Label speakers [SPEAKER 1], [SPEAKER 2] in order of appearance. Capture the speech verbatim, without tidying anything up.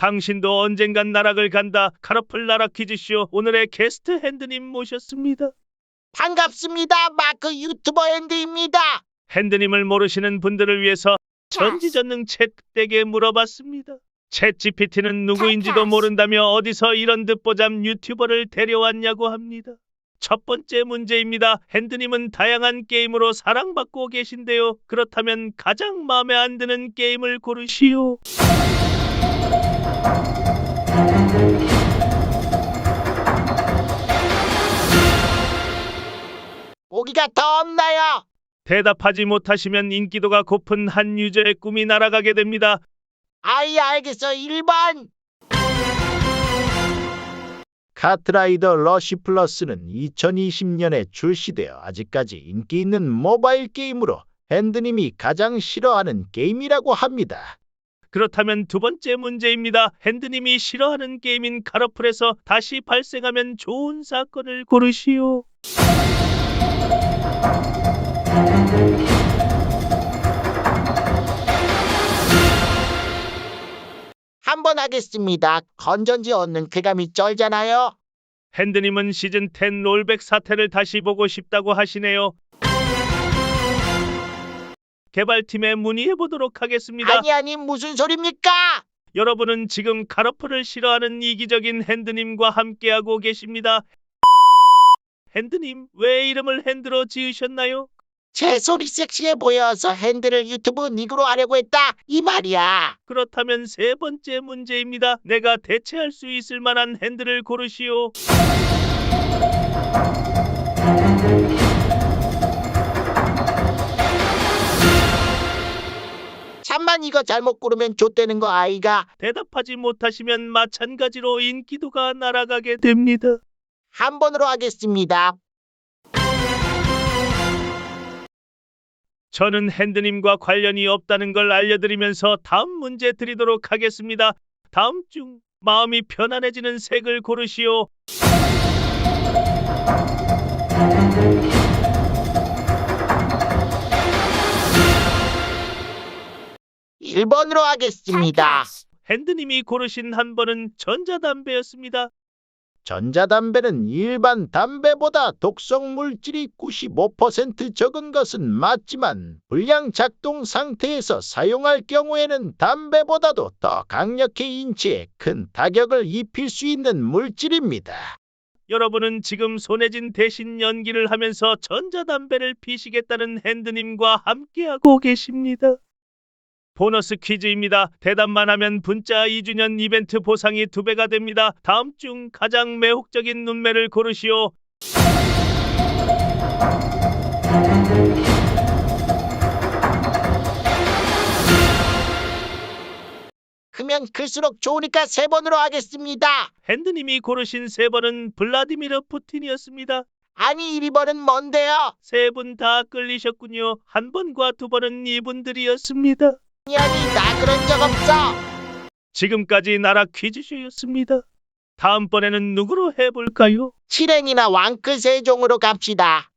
[SPEAKER 1] 당신도 언젠간 나락을 간다. 카라풀 나락 퀴즈쇼 오늘의 게스트 핸드님 모셨습니다.
[SPEAKER 2] 반갑습니다. 마크 유튜버 핸드입니다.
[SPEAKER 1] 핸드님을 모르시는 분들을 위해서 전지전능 챗에게 물어봤습니다. 챗 지피티는 누구인지도 모른다며 어디서 이런 듣보잡 유튜버를 데려왔냐고 합니다. 첫 번째 문제입니다. 핸드님은 다양한 게임으로 사랑받고 계신데요. 그렇다면 가장 마음에 안 드는 게임을 고르시오.
[SPEAKER 2] 보기가 더 없나요?
[SPEAKER 1] 대답하지 못하시면 인기도가 고픈 한 유저의 꿈이 날아가게 됩니다.
[SPEAKER 2] 아이 알겠어. 일 번.
[SPEAKER 3] 카트라이더 러쉬 플러스는 이천이십 년에 출시되어 아직까지 인기 있는 모바일 게임으로 핸드님이 가장 싫어하는 게임이라고 합니다.
[SPEAKER 1] 그렇다면 두 번째 문제입니다. 핸드님이 싫어하는 게임인 카러플에서 다시 발생하면 좋은 사건을 고르시오.
[SPEAKER 2] 한 번 하겠습니다. 건전지 얻는 쾌감이 쩔잖아요.
[SPEAKER 1] 핸드님은 시즌 십 롤백 사태를 다시 보고 싶다고 하시네요. 개발팀에 문의해보도록 하겠습니다.
[SPEAKER 2] 아니 아니 무슨 소립니까?
[SPEAKER 1] 여러분은 지금 카러플을 싫어하는 이기적인 핸드님과 함께하고 계십니다. 핸드님, 왜 이름을 핸드로 지으셨나요?
[SPEAKER 2] 제 소리 섹시해 보여서 핸드를 유튜브 닉으로 하려고 했다. 이 말이야.
[SPEAKER 1] 그렇다면 세 번째 문제입니다. 내가 대체할 수 있을 만한 핸드를 고르시오.
[SPEAKER 2] 잠만 이거 잘못 고르면 좆되는 거 아이가.
[SPEAKER 1] 대답하지 못하시면 마찬가지로 인기도가 날아가게 됩니다.
[SPEAKER 2] 한 번으로 하겠습니다.
[SPEAKER 1] 저는 핸드님과 관련이 없다는 걸 알려드리면서 다음 문제 드리도록 하겠습니다. 다음 중 마음이 편안해지는 색을 고르시오.
[SPEAKER 2] 일 번으로 하겠습니다.
[SPEAKER 1] 핸드님이 고르신 한 번은 전자담배였습니다.
[SPEAKER 3] 전자담배는 일반 담배보다 독성 물질이 구십오 퍼센트 적은 것은 맞지만 불량 작동 상태에서 사용할 경우에는 담배보다도 더 강력히 인체에 큰 타격을 입힐 수 있는 물질입니다.
[SPEAKER 1] 여러분은 지금 손혜진 대신 연기를 하면서 전자담배를 피시겠다는 핸드님과 함께하고 계십니다. 보너스 퀴즈입니다. 대답만 하면 분짜 이 주년 이벤트 보상이 두 배가 됩니다. 다음 중 가장 매혹적인 눈매를 고르시오.
[SPEAKER 2] 크면 클수록 좋으니까 세 번으로 하겠습니다.
[SPEAKER 1] 핸드님이 고르신 세 번은 블라디미르 푸틴이었습니다.
[SPEAKER 2] 아니 일 번은 뭔데요?
[SPEAKER 1] 세 분 다 끌리셨군요. 한 번과 두 번은 이분들이었습니다.
[SPEAKER 2] 아니 아니 나 그런 적 없어.
[SPEAKER 1] 지금까지 나라 퀴즈쇼였습니다. 다음번에는 누구로 해볼까요?
[SPEAKER 2] 칠행이나 왕크 세종으로 갑시다.